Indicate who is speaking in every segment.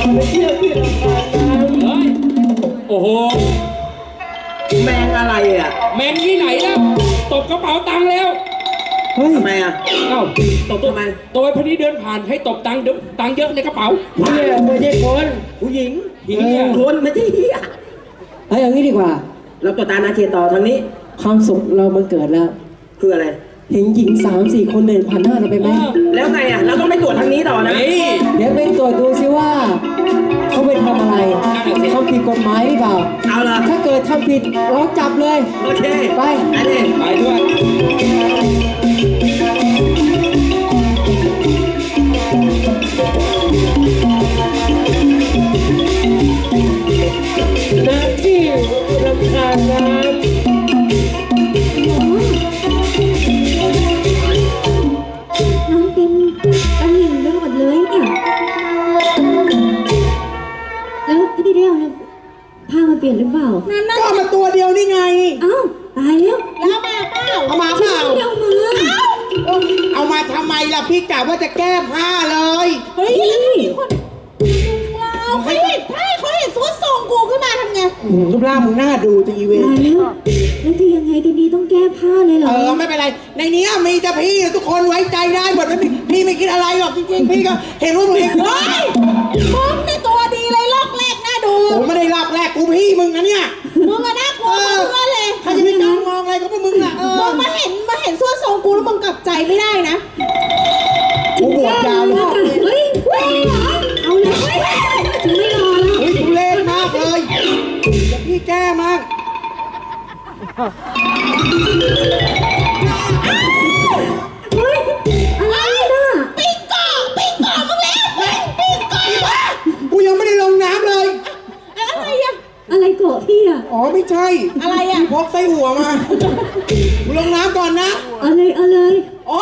Speaker 1: ไปเที่ยวที่ลำธารน้ำ
Speaker 2: เฮ้ยโอ้โห
Speaker 3: แมงอะไรอ่ะ
Speaker 2: แมนที่ไหนแล้วตบกระเป๋าตังค์แล้ว
Speaker 1: เฮ้ย
Speaker 3: ทำไมอ่ะ
Speaker 2: เอ้า
Speaker 3: ตบทำไม
Speaker 2: ตัวพอดีเดินผ่านให้ตบตังค์เดี๋ยวตังค์เยอะในกระเป๋า
Speaker 1: เนี่ยไม่ใช่คน
Speaker 3: ผู้หญิง
Speaker 2: เหี้ย
Speaker 3: คนไม่ใช่เหี้ย
Speaker 1: เฮ้ยเอางี้ดีกว่า
Speaker 3: เราต่อตานาเคียต่อทางนี้
Speaker 1: ความสุขเรามันเกิดแล้ว
Speaker 3: คืออะไร
Speaker 1: เห็นหญิง3-4 คนเดินผ่านหน้าเราไปไหม
Speaker 3: แล้วไงอ่ะ เราต้องไปตรวจทางนี้ต่อนะ
Speaker 2: เฮ้ย
Speaker 1: เดี๋ยวไปตรวจดูซิว่าเขาไปทำอะไรทำผิดกฎหมายหรือเปล่า
Speaker 3: เอาละ
Speaker 1: ถ้าเกิดทำผิดเราจับเลย
Speaker 3: โอเค
Speaker 1: ไป
Speaker 3: อันนี้
Speaker 2: ไปด้วย
Speaker 1: ณที่ลำธารน้ำ
Speaker 4: น้ำเต็มตะหลิ่งไปหมดเลยเนี่ยแล้วพี่เดียวเนี่ยผ้ามาเปลี่ยนหรือเปล่า
Speaker 5: ก็เอามาตัวเดียวนี่ไง
Speaker 4: เอ้าตายแล้ว
Speaker 5: แล้วมาเปล่าเอามาเปล่า
Speaker 4: พี่เดียวมา
Speaker 5: เอามาทำไมล่ะพี่กะว่าจะแก้ผ้าเลย
Speaker 4: เฮ้ย
Speaker 5: เอาให้เขาเห็นซุดทรงกูขึ้นมาทำไงรูปร่างมึงน่าดูจะอีเว
Speaker 4: ตายแล้วแล้วจะยังไงกันดีต้องแก้ผ้าเลยเหรอ
Speaker 5: ไม่เป็นไร ในนี้มีแต่พี่ทุกคนไว้ใจได้หมดไม่มีพี่ไม่คิดอะไรหรอกจริงๆพี่ก็เห็นว่าตัวเองเฮ้ยมึงในตัวดีเลยลอกแรกน่าดูผมไม่ได้ลอกแรกกูพี่มึงนะเนี่ยมึงอะน่ากลัวเพื่อนเลยใครจะไปจ้องมองอะไรก็พวกมึงน่ะมึงมาเห็นซุดทรงกูแล้วมึงกลับใจไม่ได้นะกูบวชยาวเลย
Speaker 4: เฮ้ยเอาเลยจะไม่รอแล้ว
Speaker 5: เฮ้ยทุเรศมากเลยพี่แก้มาก
Speaker 4: เฮ้ยอะไรน่ะ
Speaker 5: ปิ้งก่อมึงแล้วปิ้งก่อกูยังไม่ได้ลงน้ำเลย อะไรอะ
Speaker 4: อะไรเกาะพี่อะ
Speaker 5: อ๋อไม่ใช่ อะไรอะพกไส้หัวมากูลงน้ำก่อนนะ
Speaker 4: เอาเลย
Speaker 5: อ๋อ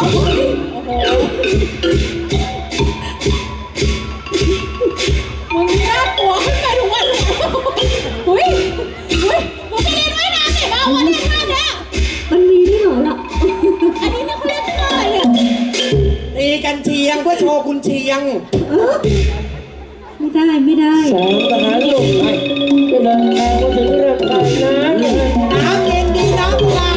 Speaker 5: มึงน่ากลัวขึ้นไปทุกวันเลยอุ้ยมึงไปเรียนว่ายน้ำไหนมาวันนี้ท่าเนี่ย
Speaker 4: มันมีด้วยเหรอล่ะ
Speaker 5: อันนี้เนี่ยเขาเรียกท่าอะไรเนี่ยตีกันเชียงเพื่อโชว์คุณเชียง
Speaker 4: ไม่ได้
Speaker 1: สองทหารหนุ่มก็เดินทางมาถึงลำธารน้ำ
Speaker 5: น้ำเย็นดีน้ำเปล่า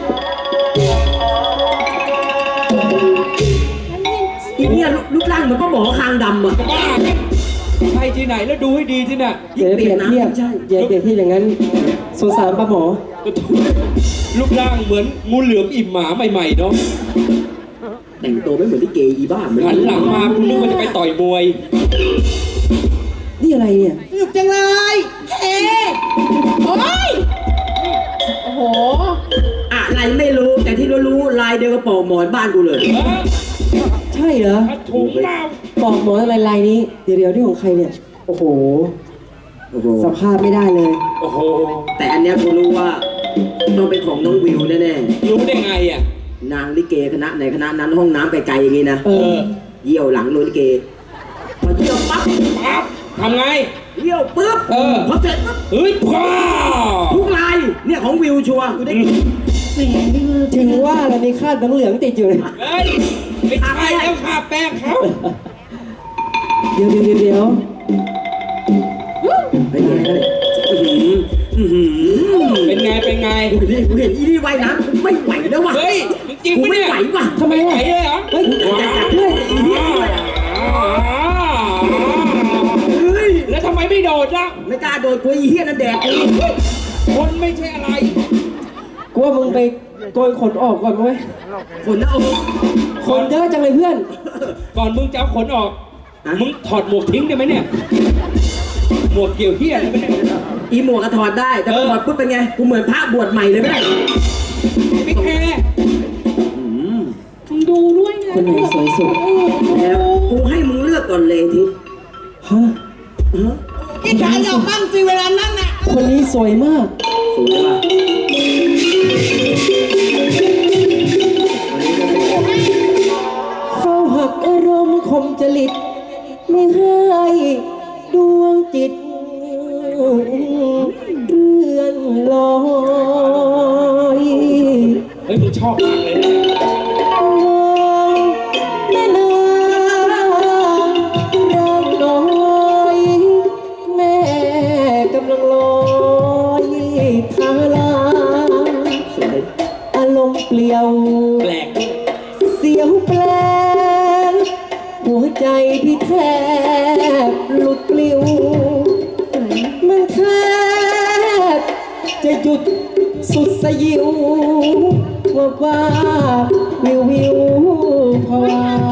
Speaker 3: อีเนี่ยรูปร่างเหมือนป้าหมอคางดำอ่ะ
Speaker 2: บ้าใช่ที่ไหนแล้วดูให้ดีสิน่ะ
Speaker 1: เดี๋ยวเปรียบเทียบอย่าเปรียบเทียบอย่างนั้นสงสารป้าหมอ
Speaker 2: รูปร่างเหมือนงูเหลือมอิ่มหมาใหม่ๆเนาะ
Speaker 3: แต่งตัวไม่เหมือนที่เกย์อีบ้าเหมือน
Speaker 2: หันหลังมาคุณนึกว่าจะไปต่อยมวย
Speaker 1: นี่อะไรเนี่ย
Speaker 5: สนุกจังเลยเอ๊โอ้ยโอ้โห
Speaker 3: อะไรไม่รู้แต่ที่รู้ลายเดียวกับปอกหมอนบ้านกูเลย
Speaker 1: ใช่เหรอ
Speaker 2: ถุงเปล่า
Speaker 1: ปอกหมอนอะไรลายนี้ เดี๋ยวนี่ของใครเนี่ย โอ้โห
Speaker 3: โอ้โห
Speaker 1: สภาพไม่ได้เลย
Speaker 2: โอ้โห
Speaker 3: แต่อันเนี้ยกูรู้ว่าต้องเป็นของน้องวิวแน่
Speaker 2: รู้ได้ไงอ่ะ
Speaker 3: ๆนางลิเกคณะไหนคณะนั้นห้องน้ำไกลๆอย่างงี้นะ
Speaker 1: เออ
Speaker 3: เยี่ยวหลังโรงลิเกพอเยี่ยวปั๊บ
Speaker 2: ปั๊บทำไง
Speaker 3: เยี่ยวปุ๊บ
Speaker 2: เออ
Speaker 3: พอเสร็จปุ๊บ
Speaker 2: เฮ้ยพ่อ
Speaker 3: ทุกลายเนี่ยของวิวชัวร์กูได้กิน
Speaker 4: แหมพี่มือ
Speaker 1: ถึงว่าเรามีคราดน้ำเหลืองติดอยู่เลย
Speaker 2: เฮ้ยไม่ใช่แล้วค่ะแป้งเขา
Speaker 1: เดี๋ยว
Speaker 3: ไปเนี่ยอื้อหือ
Speaker 2: เป็นไง
Speaker 3: กูเห็นอีนี่ว่ายน้ำกูไม่ไหวแล้วว่ะ
Speaker 2: เฮ้ยจริง
Speaker 3: กู
Speaker 2: ปะ
Speaker 3: ไม่
Speaker 2: เนี่ย
Speaker 3: ไหวว่ะ
Speaker 1: ทำไม
Speaker 2: ไหว
Speaker 1: อ่ะ
Speaker 2: เลยเหรอ
Speaker 1: เฮ้ย
Speaker 3: อยากจัดเพื่อนไอ้เหี้ยด้วยเฮ้ย
Speaker 2: แล้วทำไมไม่โดดล่ะ
Speaker 3: ไม่กล้าโดนกูไอ้เหี้ยนั่นแดกกู
Speaker 2: คนไม่ใช่อะไร
Speaker 1: กูว่ามึงไปโกยขนออกก่อนไหม
Speaker 3: ขนหน้าอก
Speaker 1: ขนเยอะจังเลยเพื่อน
Speaker 2: ก่อนมึงจะเอาขนออก มึงถอดหมวกทิ้งได้ไหมเนี่ย หมวกเกี่ยวเหี้ยอะไรไหมเนี่ย
Speaker 3: อีหมวกก็ถอดได้แต่พอถอดปุ๊บเป็นไงกูเหมือนพระบวชใหม่เลยไม่ได้
Speaker 2: ไม่แคร์
Speaker 3: อืม
Speaker 5: มึงดูด้วยนะ
Speaker 1: คนไหนสวยสุด
Speaker 3: แล้วกูให้มึงเลือกก่อนเลยทิ
Speaker 1: ฮะ
Speaker 3: ฮะ
Speaker 5: พี่ชายออกบ้างสิเวลานั้นน่ะ
Speaker 1: คนนี้สวยมาก
Speaker 3: สวยว่ะ
Speaker 1: เฝ้าหักอารมณ์คมจริต ไม่ให้ดวงจิตเรื่อนลอย
Speaker 2: เฮ้ยมึงชอบมากเลยนะ
Speaker 1: แม่นางรักน้อยใจพี่แทบหลุดปลิว มันแทบจะหยุดสุดสยิวว่าวิววิวพอ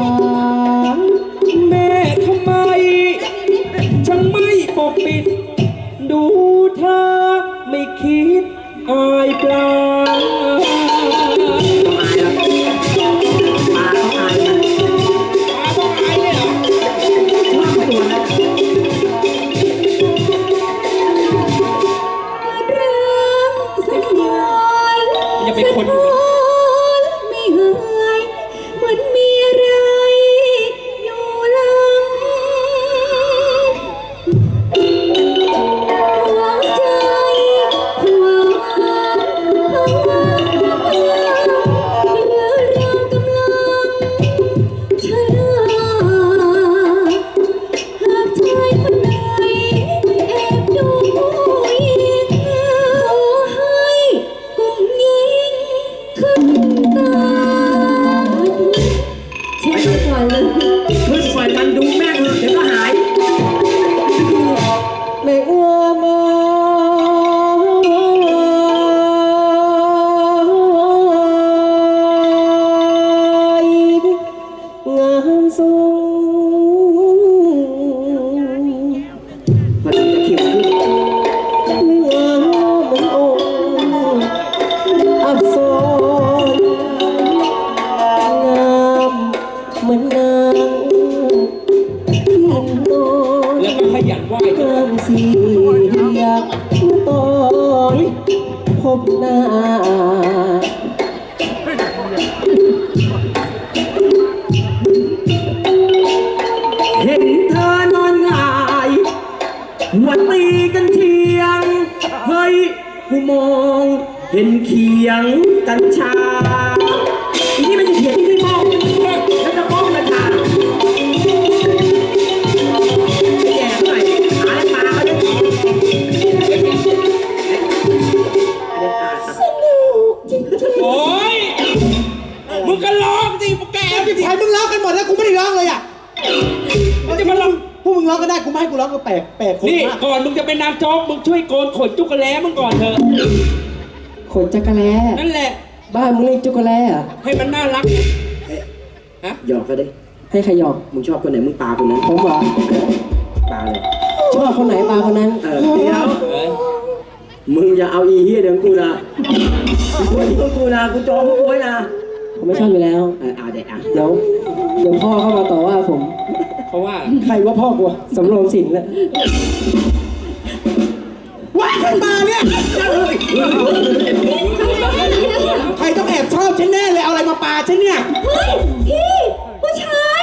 Speaker 2: แม่ทำไมช่างไม่ปกปิด ดูเธอไม่คิดอายปลา
Speaker 3: มาต้องอายมัน
Speaker 2: ต้องอายเลยเหรอ
Speaker 3: ชอบตัวนะ
Speaker 2: อย่าเป็นคนอยู่
Speaker 4: ไม่หายเหมือนมีอะไรอยู่หลังหัวใจหัวหรือเรากำลังชะลาหากชายคนไหนแอบดูยิงขอให้กุ้งยิงขึ้นตาเช็ดไปก่อนเลย
Speaker 3: ขึ้นปล่อยมันดูแม่งเถอะเดี๋ยวก็หาย
Speaker 1: แม่อ้วมงามทรง
Speaker 3: พอดีจะขิวขึ้น
Speaker 1: ไม่งามเหมือนองค์อับสรงามเหมือนนางพิมพ์นอน
Speaker 2: แล้วก็ขยันไหว้ด้วย
Speaker 1: งามสีอยากตอนพบหน้า
Speaker 3: เห็นเธอนอนหงายหัวตีกันเทียง เฮ้ย กูมองเห็นเขียงกัญชาอีนี่มันจะเขียงที่ไม่มองแล้วจะมองกัญชาแย่หน่อยหาปลาเขาดิ
Speaker 2: โอ้ยมึงก็ร้องสิมึงแก่
Speaker 5: ที่ไทยมึงร้องกันหมดแล้วกูไม่ได้ร้องเลยอ่ะ
Speaker 2: มันจะมาร้อง
Speaker 5: พวกมึงร้องก็ได้กูไม่ให้กูร้องก็แปลกคน
Speaker 2: นี่
Speaker 5: มาก
Speaker 2: ก่อนมึงจะเป็นนางโจ๊กมึงช่วยโกนขนจุกกระแล้มึงก่อนเถอะ
Speaker 1: ขนจักรแล้
Speaker 2: นั่นแหละ
Speaker 1: บ้านมึงเรียกจุกรแล้เหรอ
Speaker 2: ให้มันน่ารัก
Speaker 3: หยอกเขาดิ
Speaker 1: ให้ใครหยอก
Speaker 3: มึงชอบคนไหนมึงปาคนนั้น
Speaker 1: ผมเหรอ
Speaker 3: ปาเลย
Speaker 1: ชอบคนไหนมาคนนั้น
Speaker 3: เดี๋ยว
Speaker 2: เอ้ย
Speaker 3: มึงอย่าเอาอีเหี้ยเดี๋ยวกูนะกูที่กูนะกูจองพวกกูไว้นะ
Speaker 1: ผมไม่ชอบอยู่แล้ว
Speaker 3: เด็กอ่ะ
Speaker 1: เดี๋ยวพ่อเข้ามาต่อว่าผม
Speaker 2: เพราะว่า
Speaker 1: ใครว่าพ่อกูอะสำรวมสินแล้ว
Speaker 5: ว้ายขึ้นมาเนี่ยใครต้องแอบชอบฉันแน่เลยเอาอะไรมาปาฉันเนี่ย
Speaker 4: เฮ้ยพี่ผู้ชาย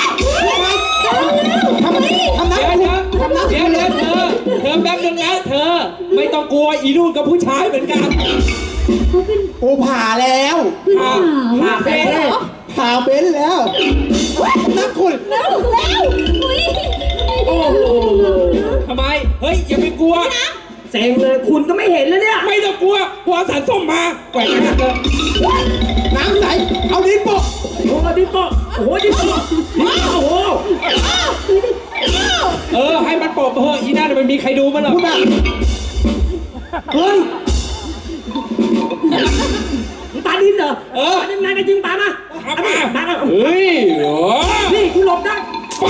Speaker 5: ทำน้ำ
Speaker 2: เดี๋ยวนะ
Speaker 5: ทำน้ำ
Speaker 2: เดี๋ยวเธอแป๊บนึงนะเธอ ไม่ต้องกลัวอีนู่นกับผู้ชายเหมือนกัน
Speaker 4: เขาเป็น
Speaker 5: โอ้ผ่าแล้ว
Speaker 4: เพื่อนสาว
Speaker 2: ผ่าเป็น
Speaker 5: ผ่าเบ้นแล้วนักคุณ
Speaker 4: แล้วอุ้ย
Speaker 3: โอ้โห
Speaker 2: ทำไม เฮ้ย อย่าไปกลัว
Speaker 3: เซ็งเลยคุณก็ไม่เห็นแล้วเนี่ย
Speaker 2: ไม่ต้องกลัวสารส้มมาแกว่งหน้าเลย
Speaker 5: น้ำใสเอาดินโปะ
Speaker 3: โอ้โหดิโก้โอ้โหดิโก้โอ้โห
Speaker 2: ให้มันโปะเฮ้ยอีนั่นมันมีใครดูมันหรอ
Speaker 5: พูดแบบเฮ้ย
Speaker 3: มึงปาดินเหรอปาดินนายจริงปามา
Speaker 2: เอามา
Speaker 3: ปามา
Speaker 2: เฮ้ยโอ้
Speaker 3: นี่กูหลบได้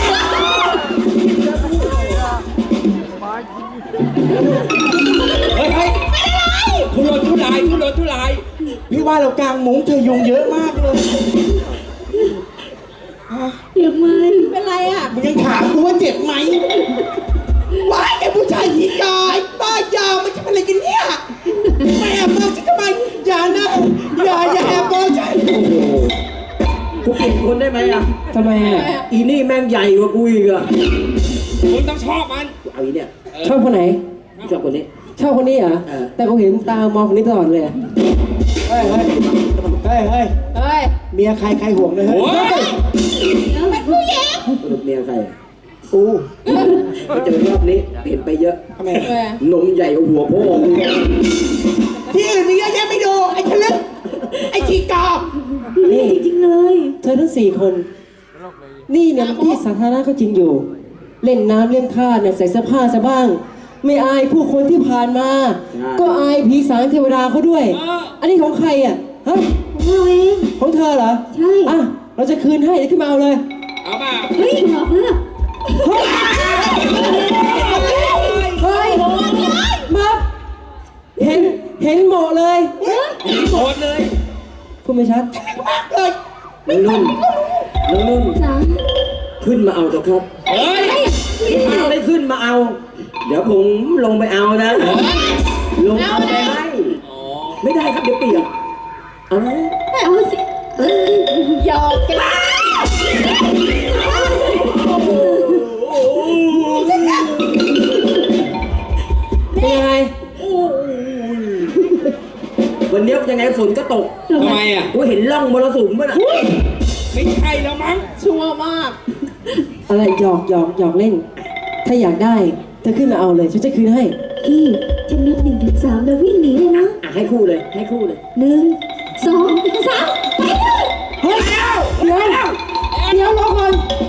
Speaker 2: เฮ้ยทุรนทุราย
Speaker 5: พี่ว่าเรากลางมุ้งเธอยุงเยอะมากเลย
Speaker 4: เดี๋ยวมันเป็นไรอ่ะ
Speaker 5: มึงยังถามกูว่าเจ็บไหมว้ายไอ้ผู้ชายหีกายบ้ายามันจะเป็นอะไรกันเนี่ยมาแอบมองฉันทำไมอย่านะอย่าแอบมองฉัน
Speaker 3: กูเปลี่ยนคนได้ไหมอ่ะ
Speaker 1: ทำไมอ่ะ
Speaker 3: อีนี่แม่งใหญ่กว่ากูอีกอ่ะ
Speaker 2: มึงต้องชอบมัน
Speaker 3: เอาอีเนี่ย
Speaker 1: ชอบคนไหน
Speaker 3: ชอบคนนี้
Speaker 1: ชอบคนนี้เหรอ แต่ผมเห็นตามองคนนี้ตลอดเลยอะ
Speaker 5: เฮ้ยเมียใครห่วงเลยเฮ้
Speaker 2: โอ้
Speaker 5: ย
Speaker 2: ย
Speaker 4: เป็นผู้หญิง
Speaker 3: สรุปเมียใคร
Speaker 5: กู
Speaker 3: ไปเจอรอบนี้เปลี่ยนไปเยอะ
Speaker 5: ทำไม
Speaker 3: นมใหญ่กว่าหัวพ่อมึง
Speaker 5: ที่อื่นมีเยอะแยะไม่ดูไอ้ทะลึกไอ้ขี้กา
Speaker 1: นี่
Speaker 4: จริงเลย
Speaker 1: เธอทั้ง4 คนนี่เนี่ยมันที่สาธารณะก็จริงอยู่ เล่นน้ำเล่นท่าเนี่ยใส่เสื้อผ้าซะบ้าง ไม่อายผู้คนที่ผ่านมา ก็อายผีสางเทวดาเขาด้วย อันนี้ของใครอ่ะฮะ
Speaker 4: ของเราเอง
Speaker 1: ของเธอเหรอ
Speaker 4: ใช่
Speaker 1: อ่ะเราจะคืนให้เดี๋ยวขึ้นมาเอาเลย
Speaker 2: เอามา
Speaker 4: เฮ้ยบอกแล้ว
Speaker 1: เฮ้ยมาเห็นหมอเลย
Speaker 2: โหดเลย
Speaker 1: พูดไม่ชัด
Speaker 3: น้องนุ่นน้องนุ่น
Speaker 4: จ๋า
Speaker 3: ขึ้นมาเอาเถอะครับ
Speaker 2: เฮ้ย
Speaker 3: ถ้าไม่ขึ้นมาเอา เดี๋ยวผมลงไปเอานะ ลงเอาไปให้ ไม่ได้ครับเดี๋ยวเปียกเอาไหม
Speaker 4: ไม่เอาสิหยอกกัน
Speaker 1: เป็นยังไง
Speaker 3: วันนี้ยังไงฝนก็ตก
Speaker 2: ทำไมอ่ะ
Speaker 3: กูเห็นร่องมรสุมป่ะน่ะ
Speaker 2: ไม่ใช่แล้วมั้ง
Speaker 5: ชั่วมาก
Speaker 1: อะไรหยอกเล่น ถ้าอยากได้เธอขึ้นมาเอาเลยฉันจะคืนให้
Speaker 4: พี่จะนับ1 ถึง 3แล้ววิ่งหนีเลยนะ
Speaker 3: อ่ะให้คู่เลย ให้คู่เลย
Speaker 4: 1 2 3ไปเลย
Speaker 1: เฮ้ยเดี๋ยวรอก่อน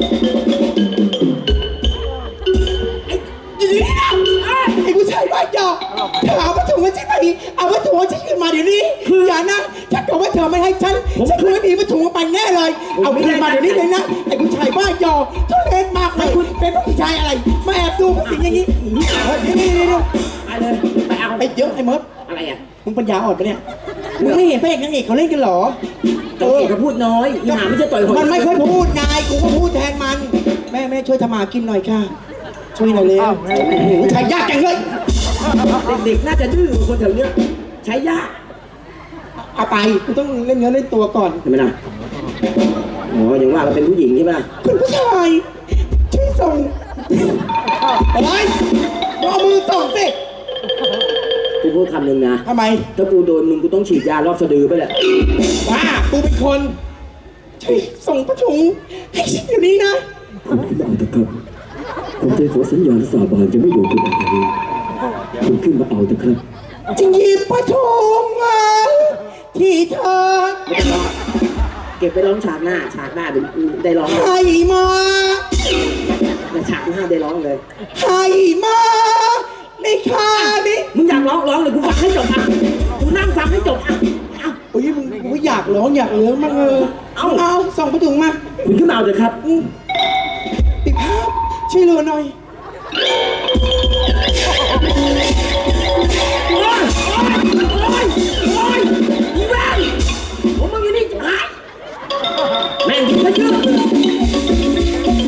Speaker 5: ไอ้ผู้ชายบ้าหยอกเธอเอาวัตถุมาใช่ไหมเอาวัตถุของฉันขึ้นมาเดี๋ยวนี้อย่านะถ้าเกิดว่าเธอไม่ให้ฉันคงไม่มีวัตถุมาไปแน่เลย เอาขึ้นมาเดี๋ยวนี้เลยนะไอ้ผู้ชายบ้าหยอกทุเรศมากเลยเป็นผู้ชายอะไรมาแอบดูผู้หญิงอย่างนี้นี่
Speaker 3: ไปเลยไปเอา
Speaker 5: ไปเยอะไอ้เมิร์ฟ
Speaker 3: อะไรอ่ะ
Speaker 5: มึงปัญญาอ่อนปะเนี่ยมึงไม่เห็นพระเอกนางเอกเขาเล่นกันเหรอ
Speaker 3: ตัวเอกก็พูดน้อยอีหาไม่ใช่ต่อยหอย
Speaker 5: มันไม่เคยพูดนายกูก็พูดแทนมัน แม่ช่วยทำมาหากินหน่อยค่ะ ช่วยหน่อยเร็วใช้ยากจังเลย
Speaker 3: เด็กๆน่าจะดื้อกว่าคนแถวเนี้ยใช้ยาก
Speaker 5: เอาไปกูต้องเล่นเนื้อเล่นตัวก่อน
Speaker 3: เห็นไหมล่ะอ๋ออย่างว่าเราเป็นผู้หญิงใช่ไหมล่ะ
Speaker 5: คุณผู้ชายช่วยส่งอะไรเอามือส่งสิ
Speaker 3: กูพูดคำหนึ่งนะ
Speaker 5: ทำไม
Speaker 3: ถ้ากูโดนมึงกูต้องฉีดยารอบสะดือไปแหละ
Speaker 5: บ้ากูเป็นคนช่วยส่งพระถุงให้ฉันอยู่นี้นะ
Speaker 3: ผมขึ้นมาเอาเถอะครับผมจะขอสัญญาสาบานจะไม่โดนคุณอะไรเลยผมขึ้นมาเอาเถอะครับ
Speaker 5: จะหยิบพระถุงมาที่เธอ
Speaker 3: ไม่ต้องร้องเก็บไปร้องฉากหน้าเดี๋ยวกูได้ร้องเลย
Speaker 5: ให้มา
Speaker 3: แต่ฉากหน้าได้ร้องเลย
Speaker 5: ให้มาในคานี้
Speaker 3: มึงอยากร้องเลยกูฟังให้จบอ่ะกูนั่งฟังให้จบอ่ะเอา
Speaker 5: โอ้ยมึงกูอยากร้องอยากเลี้ยงมากเอาส่งพระถุงมา
Speaker 3: คุณขึ้นมาเอาเถอะครับ
Speaker 5: ปิดภาพช่วยเหลือหน่อย
Speaker 3: เ